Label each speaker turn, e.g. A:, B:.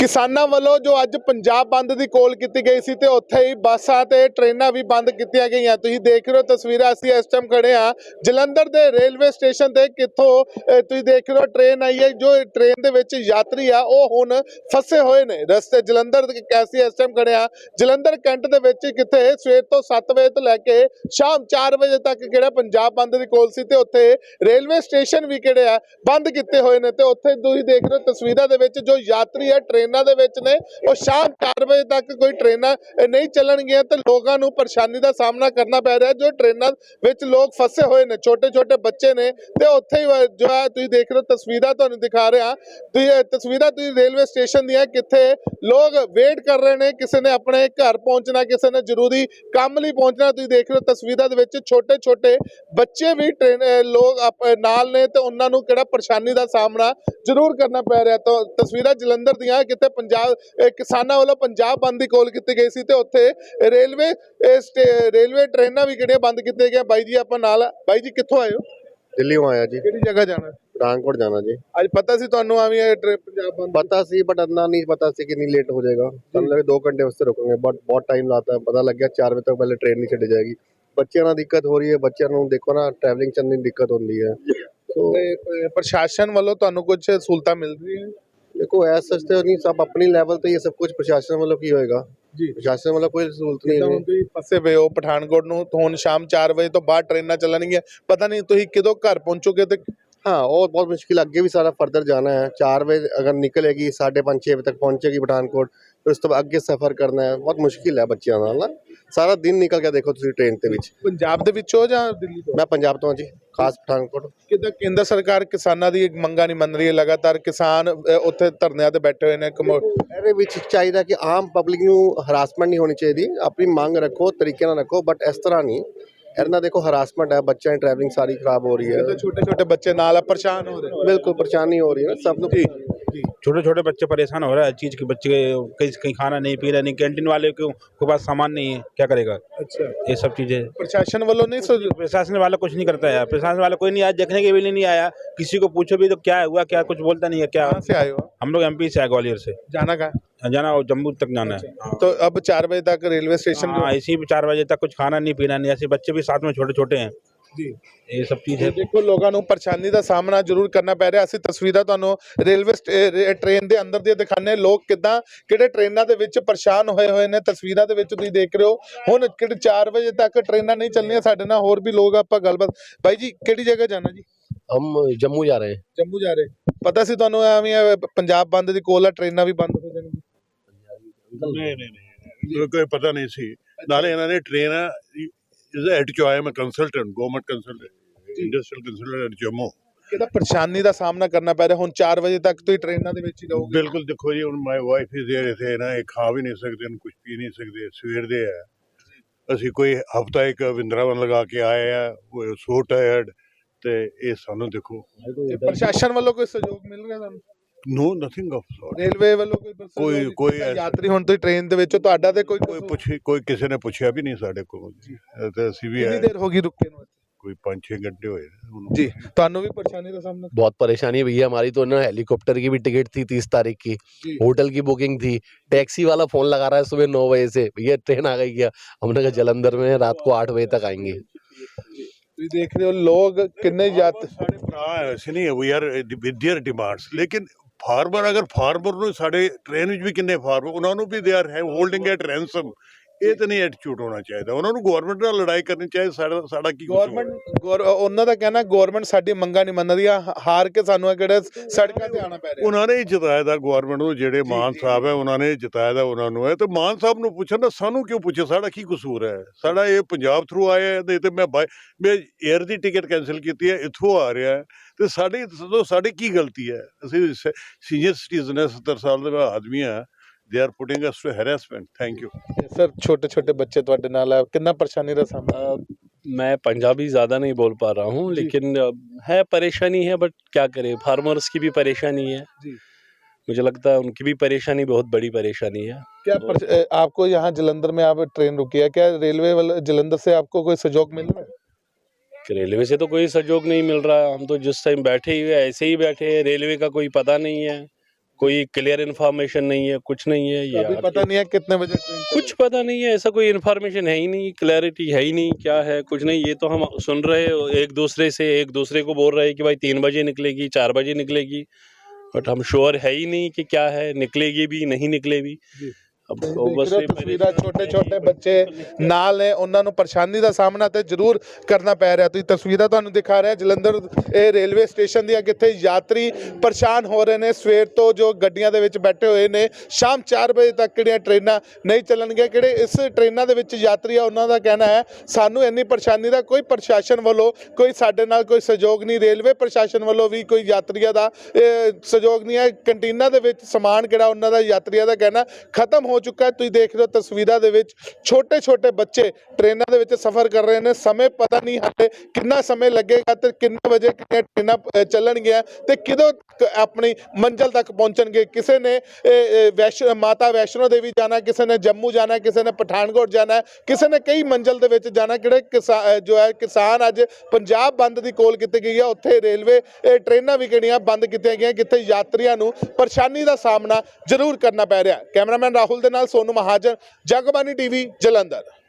A: ਕਿਸਾਨਾਂ ਵੱਲੋਂ ਜੋ ਅੱਜ ਪੰਜਾਬ ਬੰਦ ਦੀ ਕੋਲ ਕੀਤੀ ਗਈ ਸੀ ਤੇ ਉੱਥੇ ਹੀ ਬੱਸਾਂ ਤੇ ਟ੍ਰੇਨਾਂ ਵੀ ਬੰਦ ਕੀਤੀਆਂ ਗਈਆਂ। ਤੁਸੀਂ ਦੇਖ ਰਹੇ ਹੋ ਤਸਵੀਰਾਂ, ਅਸੀਂ ਇਸ ਟਾਈਮ ਖੜੇ ਆ ਜਲੰਧਰ ਦੇ ਰੇਲਵੇ ਸਟੇਸ਼ਨ ਤੇ, ਕਿੱਥੋਂ ਤੁਸੀਂ ਦੇਖ ਰਹੇ ਹੋ ਟ੍ਰੇਨ ਆਈ ਹੈ। ਜੋ ਟ੍ਰੇਨ ਦੇ ਵਿੱਚ ਯਾਤਰੀ ਆ ਉਹ ਹੁਣ ਫਸੇ ਹੋਏ ਨੇ ਰਸਤੇ। ਜਲੰਧਰ ਕੈਸੀ ਇਸ ਟਾਈਮ ਖੜੇ ਆ ਜਲੰਧਰ ਕੈਂਟ ਦੇ ਵਿੱਚ, ਕਿੱਥੇ ਸਵੇਰ ਤੋਂ 7 ਵਜੇ ਤੋਂ ਲੈ ਕੇ ਸ਼ਾਮ 4 ਵਜੇ ਤੱਕ ਕਿਹੜਾ ਪੰਜਾਬ ਬੰਦ ਦੀ ਕੋਲ ਸੀ ਤੇ ਉੱਥੇ ਰੇਲਵੇ ਸਟੇਸ਼ਨ ਵੀ ਕਿਹੜੇ ਆ ਬੰਦ ਕੀਤੇ ਹੋਏ ਨੇ। ਤੇ ਉੱਥੇ ਤੁਸੀਂ ਦੇਖ ਰਹੇ ਹੋ ਤਸਵੀਰਾਂ ਦੇ ਵਿੱਚ ਜੋ ਯਾਤਰੀ ਹੈ ਟ੍ਰੇਨਾਂ ਦੇ ਵਿੱਚ ਨੇ, ਉਹ ਸ਼ਾਮ 4 ਵਜੇ ਤੱਕ ਕੋਈ ਟ੍ਰੇਨਾਂ ਨਹੀਂ ਚੱਲਣਗੀਆਂ ਤੇ ਲੋਕਾਂ ਨੂੰ ਪਰੇਸ਼ਾਨੀ ਦਾ ਸਾਹਮਣਾ ਕਰਨਾ ਪੈ ਰਿਹਾ। ਜੋ ਟ੍ਰੇਨਾਂ ਵਿੱਚ ਲੋਕ ਫਸੇ ਹੋਏ ਨੇ, ਛੋਟੇ ਛੋਟੇ ਬੱਚੇ ਨੇ, ਤੇ ਉੱਥੇ ਹੀ ਜੋ ਹੈ ਤੁਸੀਂ ਦੇਖ ਰਹੇ ਹੋ ਤਸਵੀਰਾਂ ਤੁਹਾਨੂੰ ਦਿਖਾ ਰਿਹਾ। ਤਸਵੀਰਾਂ ਤੁਸੀਂ ਰੇਲਵੇ ਸਟੇਸ਼ਨ ਦੀਆਂ, ਕਿੱਥੇ ਲੋਕ ਵੇਟ ਕਰ ਰਹੇ ਨੇ, ਕਿਸੇ ਨੇ ਆਪਣੇ ਘਰ ਪਹੁੰਚਣਾ, ਕਿਸੇ ਨੇ ਜ਼ਰੂਰੀ ਕੰਮ ਲਈ ਪਹੁੰਚਣਾ। ਤੁਸੀਂ ਦੇਖ ਰਹੇ ਹੋ ਤਸਵੀਰਾਂ ਦੇ ਵਿੱਚ ਛੋਟੇ ਛੋਟੇ ਬੱਚੇ ਵੀ ਲੋਕ ਨਾਲ ਨੇ ਤੇ ਉਹਨਾਂ ਨੂੰ ਕਿਹੜਾ ਪਰੇਸ਼ਾਨੀ ਦਾ ਸਾਹਮਣਾ ਜ਼ਰੂਰ ਕਰਨਾ ਪੈ ਰਿਹਾ। ਤਾਂ ਤਸਵੀਰਾਂ ਜਲੰਧਰ ਦੀਆਂ, ਕਿਤੇ ਪੰਜਾਬ ਕਿਸਾਨਾਂ ਵੱਲੋਂ ਪੰਜਾਬ ਬੰਦ ਦੀ ਕਾਲ ਕੀਤੀ ਗਈ ਸੀ ਤੇ ਉੱਥੇ ਰੇਲਵੇ ਟ੍ਰੇਨਾਂ ਵੀ ਕਿਹੜੀਆਂ ਬੰਦ ਕੀਤੀਆਂ ਗਈਆਂ। ਬਾਈ ਜੀ ਆਪਾਂ ਨਾਲ, ਬਾਈ ਜੀ ਕਿੱਥੋਂ ਆਏ ਹੋ?
B: ਦਿੱਲੀੋਂ ਆਇਆ ਜੀ।
A: ਕਿਹੜੀ ਜਗ੍ਹਾ ਜਾਣਾ?
B: ਪਠਾਨਕੋਟ ਜਾਣਾ ਜੀ।
A: ਅੱਜ ਪਤਾ ਸੀ ਤੁਹਾਨੂੰ ਆਵੇਂ ਪੰਜਾਬ ਬੰਦ?
B: पता सी बट इतना नहीं पता सी कि नहीं लेट हो जाएगा। हम लगे 2 घंटे वास्ते रुकेंगे बट बहुत टाइम लाता है। पता लग गया 4 बजे तक पहले ट्रेन नहीं छड़ी जाएगी। ਬੱਚਿਆਂ ਨਾਲ ਦਿੱਕਤ ਹੋ ਰਹੀ ਹੈ। ਬੱਚਿਆਂ ਨੂੰ ਦੇਖੋ ਨਾ, ਟਰੈਵਲਿੰਗ ਚ ਨਹੀਂ ਦਿੱਕਤ ਹੁੰਦੀ ਹੈ।
A: ਪ੍ਰਸ਼ਾਸਨ ਵੱਲੋਂ ਤੁਹਾਨੂੰ ਕੁਝ ਸਹੂਲਤਾਂ ਮਿਲ ਰਹੀਆਂ?
B: देखो ऐसा सच तो नहीं, सब अपनी लेवल ਤੇ ये सब कुछ प्रशासन वालों की होएगा
A: जी।
B: प्रशासन वाला कोई सहूलत नहीं है।
A: ਤੁਸੀਂ ਫਸੇ ਪਏ ਹੋ ਪਠਾਨਕੋਟ ਨੂੰ, ਹੁਣ ਸ਼ਾਮ 4 ਵਜੇ ਤੋਂ ਬਾਅਦ ਟ੍ਰੇਨਾਂ ਚੱਲਣਗੀਆਂ, ਪਤਾ ਨਹੀਂ ਤੁਸੀਂ ਕਦੋਂ ਘਰ ਪਹੁੰਚੋਗੇ। ਤੇ
B: हाँ, और बहुत मुश्किल, आगे भी सारा फर्दर जाना है। 4 बजे अगर निकलेगी 5:30-6 बजे तक पहुंचेगी पठानकोट, फिर उस तो बाद अगे सफर करना है। बहुत मुश्किल है बच्चों नाल ना। सारा दिन निकल गया देखो तुसी ट्रेन ਦੇ ਵਿੱਚ।
A: ਪੰਜਾਬ ਦੇ ਵਿੱਚੋਂ ਜਾਂ ਦਿੱਲੀ ਤੋਂ?
B: मैं पंजाब तो हाँ जी, खास पठानकोट।
A: ਕਿਦਾਂ ਕੇਂਦਰ ਸਰਕਾਰ ਕਿਸਾਨਾਂ ਦੀ ਮੰਗਾਂ ਨਹੀਂ ਮੰਨ ਰਹੀ ਹੈ? ਲਗਾਤਾਰ ਕਿਸਾਨ ਉੱਥੇ ਧਰਨਿਆਂ ਤੇ ਬੈਠੇ ਹੋਏ ਨੇ।
B: ਇਹਦੇ ਵਿੱਚ ਚਾਹੀਦਾ ਕਿ ਆਮ ਪਬਲਿਕ ਨੂੰ ਹਰਾਸਮੈਂਟ ਨਹੀਂ ਹੋਣੀ ਚਾਹੀਦੀ। ਆਪਣੀ ਮੰਗ ਰੱਖੋ, ਤਰੀਕੇ ਨਾਲ ਰੱਖੋ, ਬਟ ਇਸ ਤਰ੍ਹਾਂ ਨਹੀਂ। ਇਹਨਾਂ ਦੇਖੋ ਹਰਾਸਮੈਂਟ ਹੈ, ਬੱਚਿਆਂ ਦੀ ਟਰੈਵਲਿੰਗ ਸਾਰੀ ਖਰਾਬ ਹੋ ਰਹੀ ਹੈ।
A: ਛੋਟੇ ਛੋਟੇ ਬੱਚੇ ਨਾਲ ਪਰੇਸ਼ਾਨ ਹੋ ਰਹੇ।
B: बिल्कुल परेशानी हो रही है सब लोग।
C: छोटे छोटे बच्चे परेशान हो रहा है, चीज़ के बच्चे कहीं खाना नहीं पी रहे, नहीं कैंटीन वाले के पास सामान नहीं है, क्या करेगा?
A: अच्छा,
C: ये सब चीज़ें
A: प्रशासन वालों नहीं
C: प्रशासन वाला कुछ नहीं करता है। प्रशासन वाला कोई नहीं आया, देखने के लिए नहीं आया। किसी को पूछो भी तो क्या हुआ, क्या कुछ बोलता नहीं है। क्या
A: कहाँ से आए हो?
C: हम लोग MP से आए, ग्वालियर से।
A: जाना कहाँ?
C: जाना और जम्मू तक जाना है।
A: तो अब 4 बजे तक रेलवे स्टेशन?
C: हाँ, इसी 4 बजे तक कुछ खाना नहीं पीना नहीं। ऐसे बच्चे भी साथ में छोटे छोटे हैं
A: जी।
C: ये सब चीज़ है।
A: ਦੇਖੋ ਲੋਕਾਂ ਨੂੰ ਪਰੇਸ਼ਾਨੀ ਦਾ ਸਾਹਮਣਾ ਜ਼ਰੂਰ ਕਰਨਾ ਪੈ ਰਿਹਾ। ਅਸੀਂ ਤਸਵੀਰਾਂ ਤੁਹਾਨੂੰ ਰੇਲਵੇ ਟ੍ਰੇਨ ਦੇ ਅੰਦਰ ਦੀਆਂ ਦਿਖਾਣੇ, ਲੋਕ ਕਿੱਦਾਂ ਕਿਹੜੇ ਟ੍ਰੇਨਾਂ ਦੇ ਵਿੱਚ ਪਰੇਸ਼ਾਨ ਹੋਏ ਨੇ। ਤਸਵੀਰਾਂ ਦੇ ਵਿੱਚ ਤੁਸੀਂ ਦੇਖ ਰਹੇ ਹੋ ਹੁਣ ਕਿਹੜੇ 4 ਵਜੇ ਤੱਕ ਟ੍ਰੇਨਾਂ ਨਹੀਂ ਚੱਲਣੀਆਂ। ਸਾਡੇ ਨਾਲ ਹੋਰ ਵੀ ਲੋਕ, ਆਪਾਂ ਗੱਲਬਾਤ। ਬਾਈ ਜੀ ਕਿਹੜੀ ਜਗ੍ਹਾ ਜਾਣਾ ਜੀ?
B: हम जम्मू जा रहे हैं।
A: ਜੰਮੂ ਜਾ ਰਹੇ। ਪਤਾ ਸੀ ਤੁਹਾਨੂੰ ਐਵੇਂ ਪੰਜਾਬ ਬੰਦ ਦੀ ਕੋਲ ਆ, ਟ੍ਰੇਨਾਂ ਵੀ ਬੰਦ ਹੋ ਜਾਣਗੀਆਂ?
D: ਨਹੀਂ ਕੋਈ ਪਤਾ ਨਹੀਂ ਸੀ। ਨਾਲੇ ਇਹਨਾਂ ਨੇ ਟ੍ਰੇਨ ਇਜ਼ ਹੈਡ ਚੋਂ ਆਇਆ, ਮੈਂ consultant, government consultant, industrial consultant Jammu.
A: ਕਿਹਦਾ ਪਰੇਸ਼ਾਨੀ ਦਾ ਸਾਹਮਣਾ ਕਰਨਾ ਪੈ ਰਿਹਾ ਹੁਣ 4 ਵਜੇ ਤੱਕ ਤੁਸੀਂ ਟ੍ਰੇਨਾਂ ਦੇ ਵਿੱਚ ਹੀ ਰਹੋਗੇ?
D: ਬਿਲਕੁਲ। ਦੇਖੋ ਜੀ, ਹੁਣ ਮਾਈ ਵਾਈਫ ਇਜ਼ देयर ਇਥੇ ਨਾ, ਇਹ ਖਾ ਵੀ ਨਹੀਂ ਸਕਦੇ, ਕੁਝ ਪੀ ਨਹੀਂ ਸਕਦੇ। ਸਵੇਰ ਦੇ ਆ, ਅਸੀਂ ਕੋਈ ਹਫਤਾ ਇੱਕ ਵਿੰਦਰਾਵਨ ਲਗਾ ਕੇ ਆਏ ਆ, ਸੋ ਟਾਇਰਡ। ਤੇ ਇਹ ਸਾਨੂੰ ਦੇਖੋ
A: ਪ੍ਰਸ਼ਾਸਨ ਵੱਲੋਂ ਕੋਈ ਸਹਿਯੋਗ ਮਿਲ ਰਿਹਾ ਤੁਹਾਨੂੰ?
D: No nothing of sort.
A: Railway ਵੱਲੋਂ
D: ਕੋਈ
A: ਯਾਤਰੀ ਹੁਣ ਤੁਸੀਂ ਟ੍ਰੇਨ ਦੇ ਵਿੱਚ, ਤੁਹਾਡਾ ਤੇ
D: ਕੋਈ ਕਿਸੇ ਨੇ ਪੁੱਛਿਆ ਵੀ ਨਹੀਂ ਸਾਡੇ ਕੋਲ। ਤੇ ਅਸੀਂ ਵੀ
A: ਕਿੰਨੀ ਦੇਰ ਹੋ ਗਈ ਰੁਕੇ ਨੂੰ?
D: ਕੋਈ 5-6 घंटे ਹੋਏ
A: जी। ਤੁਹਾਨੂੰ ਵੀ ਪਰੇਸ਼ਾਨੀ ਦਾ सामना?
E: बहुत परेशानी भैया हमारी तो ना, हेलीकॉप्टर की भी टिकट थी 30 तारीख की, होटल की बुकिंग थी। टैक्सी वाला फोन लगा रहा है सुबह 9 बजे से, भैया ट्रेन आ गई क्या? हमने कहा जलंधर में रात को 8 बजे तक आएंगे।
A: ਤੁਸੀਂ ਦੇਖ ਰਹੇ ਹੋ ਲੋਕ ਕਿੰਨੇ
D: ਸਾਡੇ ਭਰਾ ਐਸੇ ਨਹੀਂ, we are with their demands. ਲੇਕਿਨ ਫਾਰਮਰ, ਅਗਰ ਫਾਰਮਰ ਨੂੰ ਸਾਡੇ ਟ੍ਰੇਨ ਵਿੱਚ ਵੀ ਕਿੰਨੇ ਫਾਰਮਰ, ਉਹਨਾਂ ਨੂੰ ਵੀ they are holding at ransom. ਇਹ ਤਾਂ ਨਹੀਂ ਐਟੀਟਿਊਡ ਹੋਣਾ ਚਾਹੀਦਾ। ਉਹਨਾਂ ਨੂੰ ਗਵਰਨਮੈਂਟ ਨਾਲ ਲੜਾਈ ਕਰਨੀ ਚਾਹੀਦੀ। ਸਾਡਾ ਕੀ
A: ਉਹਨਾਂ ਦਾ ਕਹਿਣਾ ਗਵਰਨਮੈਂਟ ਸਾਡੀ ਮੰਗਾਂ ਨਹੀਂ ਮੰਨ ਰਹੀ ਆ, ਹਾਰ ਕੇ ਸਾਨੂੰ ਕਿਹੜੇ ਸੜਕਾਂ ਤੇ ਆਉਣਾ ਪੈ ਰਿਹਾ।
D: ਉਹਨਾਂ ਨੇ ਜਿਤਾਇਆ ਦਾ ਗਵਰਨਮੈਂਟ ਨੂੰ, ਜਿਹੜੇ ਮਾਨ ਸਾਹਿਬ ਹੈ ਉਹਨਾਂ ਨੇ ਜਿਤਾਇਆ ਦਾ ਉਹਨਾਂ ਨੂੰ ਹੈ। ਤੇ ਮਾਨ ਸਾਹਿਬ ਨੂੰ ਪੁੱਛਣ ਨਾ, ਸਾਨੂੰ ਕਿਉਂ ਪੁੱਛੇ? ਸਾਡਾ ਕੀ ਕਸੂਰ ਹੈ? ਸਾਡਾ ਇਹ ਪੰਜਾਬ ਥਰੂ ਆਇਆ ਹੈ ਤੇ ਮੈਂ ਏਅਰ ਦੀ ਟਿਕਟ ਕੈਂਸਲ ਕੀਤੀ ਹੈ, ਇੱਥੋਂ ਆ ਰਿਹਾ ਹੈ। ਤੇ ਸਾਡੀ ਕੀ ਗਲਤੀ ਹੈ? ਅਸੀਂ ਸੀਨੀਅਰ ਸਿਟੀਜ਼ਨ ਹੈ, 70 ਸਾਲ ਦੇ ਆਦਮੀ ਆ। They are putting us to harassment. Thank you.
A: Sir छोटे छोटे बच्चे ਤੁਹਾਡੇ ਨਾਲ ਆ, ਕਿੰਨਾ ਪਰੇਸ਼ਾਨੀ ਦਾ ਸਾਹਮਣਾ?
F: मैं पंजाबी ज़्यादा नहीं बोल पा रहा हूँ, लेकिन है परेशानी है, बट क्या करें, फार्मर्स की भी परेशानी है
A: जी।
F: मुझे लगता है उनकी भी परेशानी बहुत बड़ी परेशानी है।
A: क्या आपको यहाँ जलंधर में आप ट्रेन रुकी है, क्या रेलवे वाले जलंधर से आपको कोई सहयोग मिल रहा है?
F: रेलवे से तो कोई सहयोग नहीं मिल रहा है। हम तो जिस टाइम बैठे ही हुए ऐसे ही बैठे हैं, रेलवे का कोई पता नहीं है, कोई क्लियर इन्फॉर्मेशन नहीं है, कुछ नहीं है। ये
A: अभी पता नहीं है कितने बजे ट्रेन
F: कुछ पता नहीं है, ऐसा कोई इन्फॉर्मेशन है ही नहीं, क्लैरिटी है ही नहीं, क्या है कुछ नहीं। ये तो हम सुन रहे हो एक दूसरे को बोल रहे हैं कि भाई 3 बजे निकलेगी, 4 बजे निकलेगी, बट हम श्योर है ही नहीं कि क्या है, निकलेगी भी नहीं निकलेगी। अब obviously
A: ਤਸਵੀਰਾਂ ਛੋਟੇ ਬੱਚੇ ਨਾਲ ਨੇ, ਉਹਨਾਂ ਨੂੰ ਪਰੇਸ਼ਾਨੀ ਦਾ ਸਾਹਮਣਾ ਤੇ ਜ਼ਰੂਰ ਕਰਨਾ ਪੈ ਰਿਹਾ। ਤੁਸੀਂ ਤਸਵੀਰਾਂ ਤੁਹਾਨੂੰ ਦਿਖਾ ਰਿਹਾ ਜਲੰਧਰ ਇਹ ਰੇਲਵੇ ਸਟੇਸ਼ਨ ਦੀਆਂ, ਕਿੱਥੇ ਯਾਤਰੀ ਪਰੇਸ਼ਾਨ ਹੋ ਰਹੇ ਨੇ ਸਵੇਰ ਤੋਂ, ਜੋ ਗੱਡੀਆਂ ਦੇ ਵਿੱਚ ਬੈਠੇ ਹੋਏ ਨੇ। ਸ਼ਾਮ 4 ਵਜੇ ਤੱਕ ਕਿਹੜੀਆਂ ਟ੍ਰੇਨਾਂ ਨਹੀਂ ਚੱਲਣਗੀਆਂ, ਕਿਹੜੇ ਇਸ ਟ੍ਰੇਨਾਂ ਦੇ ਵਿੱਚ ਯਾਤਰੀ ਆ, ਉਹਨਾਂ ਦਾ ਕਹਿਣਾ ਹੈ ਸਾਨੂੰ ਇੰਨੀ ਪਰੇਸ਼ਾਨੀ ਦਾ ਕੋਈ ਪ੍ਰਸ਼ਾਸਨ ਵੱਲੋਂ ਕੋਈ ਸਾਡੇ ਨਾਲ ਕੋਈ ਸਹਿਯੋਗ ਨਹੀਂ, ਰੇਲਵੇ ਪ੍ਰਸ਼ਾਸਨ ਵੱਲੋਂ ਵੀ ਕੋਈ ਯਾਤਰੀਆਂ ਦਾ ਸਹਿਯੋਗ ਨਹੀਂ ਹੈ। ਕੰਟੀਨਾਂ ਦੇ ਵਿੱਚ ਸਮਾਨ ਕਿਹੜਾ ਉਹਨਾਂ ਦਾ ਯਾਤਰੀਆਂ ਦਾ ਕਹਿਣਾ ਖਤਮ ਹੋ ਚੁੱਕਾ ਹੈ। ਤੁਸੀਂ ਦੇਖ ਰਹੇ ਹੋ ਤਸਵੀਰਾਂ ਦੇ ਵਿੱਚ ਛੋਟੇ ਬੱਚੇ ਟ੍ਰੇਨਾਂ ਦੇ ਵਿੱਚ ਸਫ਼ਰ ਕਰ ਰਹੇ ਨੇ। ਸਮੇਂ ਪਤਾ ਨਹੀਂ ਹਾਲੇ ਕਿੰਨਾ ਸਮੇਂ ਲੱਗੇਗਾ ਤੇ ਕਿੰਨੇ ਵਜੇ ਕਿੰਨੀਆਂ ਟ੍ਰੇਨਾਂ ਚੱਲਣਗੀਆਂ ਤੇ ਕਿਦੋਂ ਆਪਣੀ ਮੰਜ਼ਿਲ ਤੱਕ ਪਹੁੰਚਣਗੇ। ਕਿਸੇ ਨੇ ਮਾਤਾ ਵੈਸ਼ਨੋ ਦੇਵੀ ਜਾਣਾ, ਕਿਸੇ ਨੇ ਜੰਮੂ ਜਾਣਾ, ਕਿਸੇ ਨੇ ਪਠਾਨਕੋਟ ਜਾਣਾ, ਕਿਸੇ ਨੇ ਕਈ ਮੰਜ਼ਿਲ ਦੇ ਵਿੱਚ ਜਾਣਾ। ਕਿਹੜੇ ਕਿਸਾਨ ਅੱਜ ਪੰਜਾਬ ਬੰਦ ਦੀ ਕੋਲ ਕੀਤੀ ਗਈ ਹੈ, ਉੱਥੇ ਰੇਲਵੇ ਟ੍ਰੇਨਾਂ ਵੀ ਕਿਹੜੀਆਂ ਬੰਦ ਕੀਤੀਆਂ ਗਈਆਂ, ਕਿੱਥੇ ਯਾਤਰੀਆਂ ਨੂੰ ਪਰੇਸ਼ਾਨੀ ਦਾ ਸਾਹਮਣਾ ਜ਼ਰੂਰ ਕਰਨਾ ਪੈ ਰਿਹਾ। ਕੈਮਰਾਮੈਨ ਰਾਹੁਲ ਦੇ ਨਾਲ ਸੋਨੂ ਮਹਾਜਨ, ਜਗਬਾਨੀ ਟੀਵੀ, ਜਲੰਧਰ।